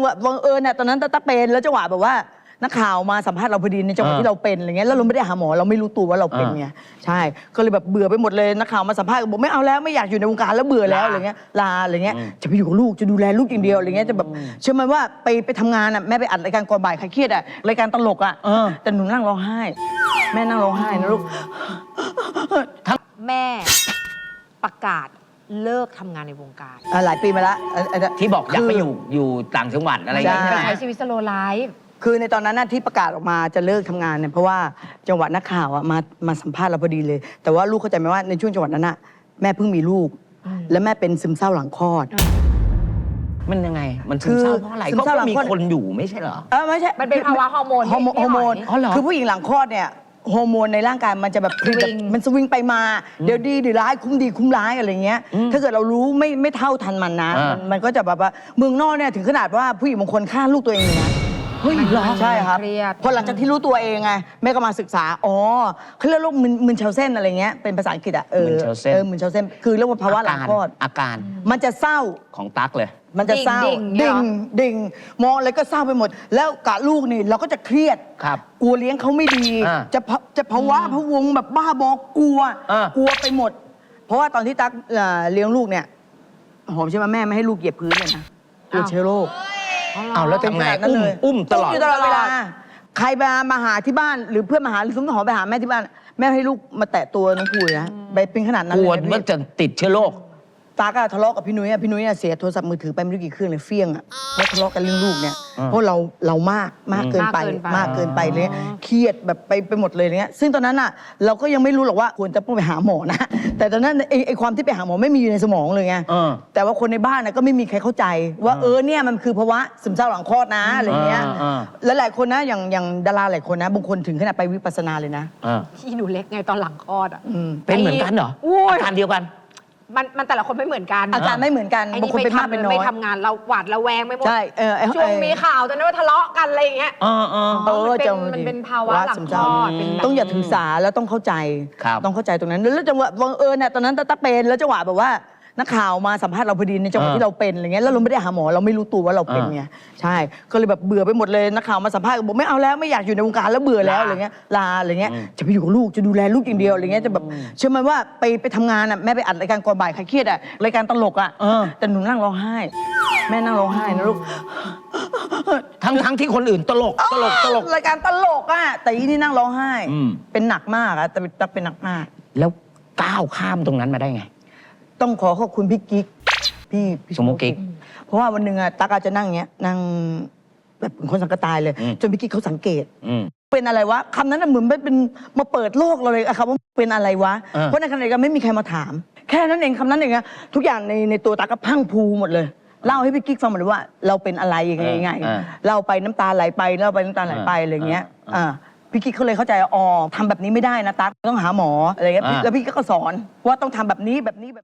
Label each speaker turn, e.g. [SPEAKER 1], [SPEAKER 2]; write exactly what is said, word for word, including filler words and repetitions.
[SPEAKER 1] งหวะบังเอิญเนี่ยตอนนั้นตั๊กเป็นแล้วจังหวะแบบว่านักข่าวมาสัมภาษณ์เราพอดีในจังหวะที่เราเป็นอะไรเงี้ยแล้วเราไม่ได้หาหมอเราไม่รู้ตัวว่าเราเป็นไงใช่ก็เลยแบบเบื่อไปหมดเลยนักข่าวมาสัมภาษณ์บอกไม่เอาแล้วไม่อยากอยู่ในวงการแล้วเบื่อแล้วอะไรเงี้ยลาอะไรเงี้ยจะไปอยู่กับลูกจะดูแลลูกอย่างเดียวอะไรเงี้ยจะแบบเชื่อไหมว่าไปไปทำงานอ่ะแม่ไปอัดรายการก่อนบ่ายใครเครียดอ่ะรายการตลกอ่ะแต่หนูนั่งร้องไห้แม่นั่งร้องไห้นะลูก
[SPEAKER 2] แม่ประกาศเลิกทำงานในวงการ
[SPEAKER 1] หลายปีมาแล้ว
[SPEAKER 3] ที่บอกอยากไปอยู่อยู่ต่างจังหวัดอะไรอย่างเงี้ย
[SPEAKER 2] ใช้ชีวิตสโลว์ไลฟ์
[SPEAKER 1] คือในตอนนั้นที่ประกาศออกมาจะเลิกทำงานเนี่ยเพราะว่าจังหวัดนักข่าวมามาสัมภาษณ์เราพอดีเลยแต่ว่าลูกเข้าใจไหมว่าในช่วงจังหวัดนั้นน่ะแม่เพิ่งมีลูกแล้วแม่เป็นซึมเศร้าหลังคลอด
[SPEAKER 3] มันยังไงมันซึมเศร้าเพราะอะไรก็มีคนอยู่ไม่ใช่เหรอ
[SPEAKER 1] เออไม่ใช่
[SPEAKER 2] มันเป็นภาวะฮอร์โมน
[SPEAKER 1] ฮอร์โมนคือผู้หญิงหลังคลอดเนี่ยฮอร์โมนในร่างกายมันจะแบบมันสวิงไปมาเดี๋ยวดีเดี๋ยวร้ายคุ้มดีคุ้มร้ายอะไรเงี้ยถ้าเกิดเรารู้ไม่ไม่เท่าทันมันนะมันก็จะแบบว่าเมืองนอกเนี่ยถึงขนาดว่าผู้หญิงบางคนฆ่าลูกตัวเองนะเฮ้ยเหรอใช่ครับพอหลังจากที่รู้ตัวเองไงแม่ก็มาศึกษาอ๋อเขาเรียกโรคมึนเชลเส้นอะไรเงี้ยเป็นภาษาอังกฤษอ่ะเออเออมึนเชลเส้นคือเรียกว่าภาวะหลังคลอด
[SPEAKER 3] อาการ
[SPEAKER 1] มันจะเศร้า
[SPEAKER 3] ของตั๊กเลย
[SPEAKER 1] มันจะเศร้าดิ่งดิ่งมองอะไรก็เศร้าไปหมดแล้วกะลูกนี่เราก็จะเครียดกลัวเลี้ยงเขาไม่ดีจะจะภาวะพะวงแบบบ้าบอกลัวกลัวไปหมดเพราะว่าตอนที่ตั๊กเลี้ยงลูกเนี่ยหอมใช่ไหมแม่ไม่ให้ลูกเหยียบพื้นเลยนะกลัวเชื้อโรค
[SPEAKER 3] เอาแล้วทำไงอุ้มอุ้มตลอด
[SPEAKER 1] ตลอดเวลาใครมามาหาที่บ้านหรือเพื่อนมาหาหรือสมมติหอมไปหาแม่ที่บ้านแม่ให้ลูกมาแตะตัวน้องภูนะไปเป็นขนาดนั้นเลย
[SPEAKER 3] กลัวว่าจะติดเชื้อโรค
[SPEAKER 1] ตาก็ทะเลาะกับพี่นุ้ยพี่นุ้ยเสียโทรศัพท์มือถือไปไม่รู้กี่เครื่องเลยเฟี้ยงอ่ะเพราะทะเลาะกันเรื่องลูกเนี่ยเพราะเราเรามากมากเกินไปมากเกินไปเลยเครียดแบบไปไปหมดเลยเนี้ยซึ่งตอนนั้นอ่ะเราก็ยังไม่รู้หรอกว่าควรจะต้องไปหาหมอนะแต่ตอนนั้นไอ้ความที่ไปหาหมอไม่มีอยู่ในสมองเลยไงแต่ว่าคนในบ้านก็ไม่มีใครเข้าใจว่าเออเนี่ยมันคือภาวะซึมเศร้าหลังคลอดนะอะไรเงี้ยแล้วหลายคนนะอย่างอย่างดาราหลายคนนะบางคนถึงขนาดไปวิปัสสนาเลยนะ
[SPEAKER 2] ที่หนูเล็กไงตอนหลังคลอดอ่ะ
[SPEAKER 3] เป็นเหมือนกันเหรออาการเดียวกัน
[SPEAKER 2] มันมันแต่ละคนไม่เหมือนกัน
[SPEAKER 1] อาการไม่เหมือนกันบางคนเป็นมากเป็นน้อย
[SPEAKER 2] ไม่ทำงานเราหวาดระแวงไม่หมด
[SPEAKER 1] ใช่เออ
[SPEAKER 2] ช่วงมีข่าวตอนนั้นว่าทะเลาะกันอะไรอย่างเงี้ย
[SPEAKER 3] เออเออ
[SPEAKER 2] เออมันเป็นภาวะหลังคลอด
[SPEAKER 1] ต้องอย่าถือสาแล้วต้องเข้าใจต้องเข้าใจตรงนั้นแล้วจังหวะบังเอิญเนี่ยตอนนั้นตั๊กเป็นแล้วจังหวะแบบว่านักข่าวมาสัมภาษณ์เราพอดีในจังหวะที่เราเป็นอะไรเงี้ยแล้วเราไม่ได้หาหมอเราไม่รู้ตัวว่าเราเป็นไงใช่ก็เลยแบบเบื่อไปหมดเลยนักข่าวมาสัมภาษณ์บอกไม่เอาแล้วไม่อยากอยู่ในวงการแล้วเบื่อแล้วอะไรเงี้ยลาอะไรเงี้ยจะไปอยู่กับลูกจะดูแลลูกอย่างเดียวอะไรเงี้ยจะแบบเชื่อไหมว่าไปไปทำงานอ่ะแม่ไปอัดรายการก่อนบ่ายใครเครียดอ่ะรายการตลกอ่ะแต่หนูนั่งร้องไห้แม่นั่งร้องไห้นะลูก
[SPEAKER 3] ทั้งทั้งที่คนอื่นตลกตลกตลก
[SPEAKER 1] รายการตลกอ่ะแต่อีนี่นั่งร้องไห้เป็นหนักมากอ่ะแต่ตั๊กเป็นหนักมาก
[SPEAKER 3] แล้วก้าวข้ามตรงนั้นมาได้ไง
[SPEAKER 1] ต้องขอขอบคุณพี่กิ๊กพี่
[SPEAKER 3] สมมุติกิ๊ก
[SPEAKER 1] เพราะว่าวันหนึ่งอะตั๊กอาจจะนั่งเงี้ยนั่งแบบคนสังกตายเลยจนพี่กิ๊กเขาสังเกตเป็นอะไรวะคำนั้นเหมือนเป็นมาเปิดโลกเราเลยอะครับว่าเป็นอะไรวะเพราะในขณะเดียวกันไม่มีใครมาถามแค่นั้นเองคำนั้นเองอะทุกอย่างในในตัวตั๊กก็พังพูหมดเลยเล่าให้พี่กิ๊กฟังหมดเลยว่าเราเป็นอะไรยังไงยังไงเล่าไปน้ำตาไหลไปเล่าไปน้ำตาไหลไปอะไรเงี้ยอ่าพี่กิ๊กเขาเลยเข้าใจอ๋อทำแบบนี้ไม่ได้นะตั๊กต้องหาหมออะไรเงี้ยแล้วพี่ก็สอนว่าต้องทำแบบนี้แบบนี้แบบ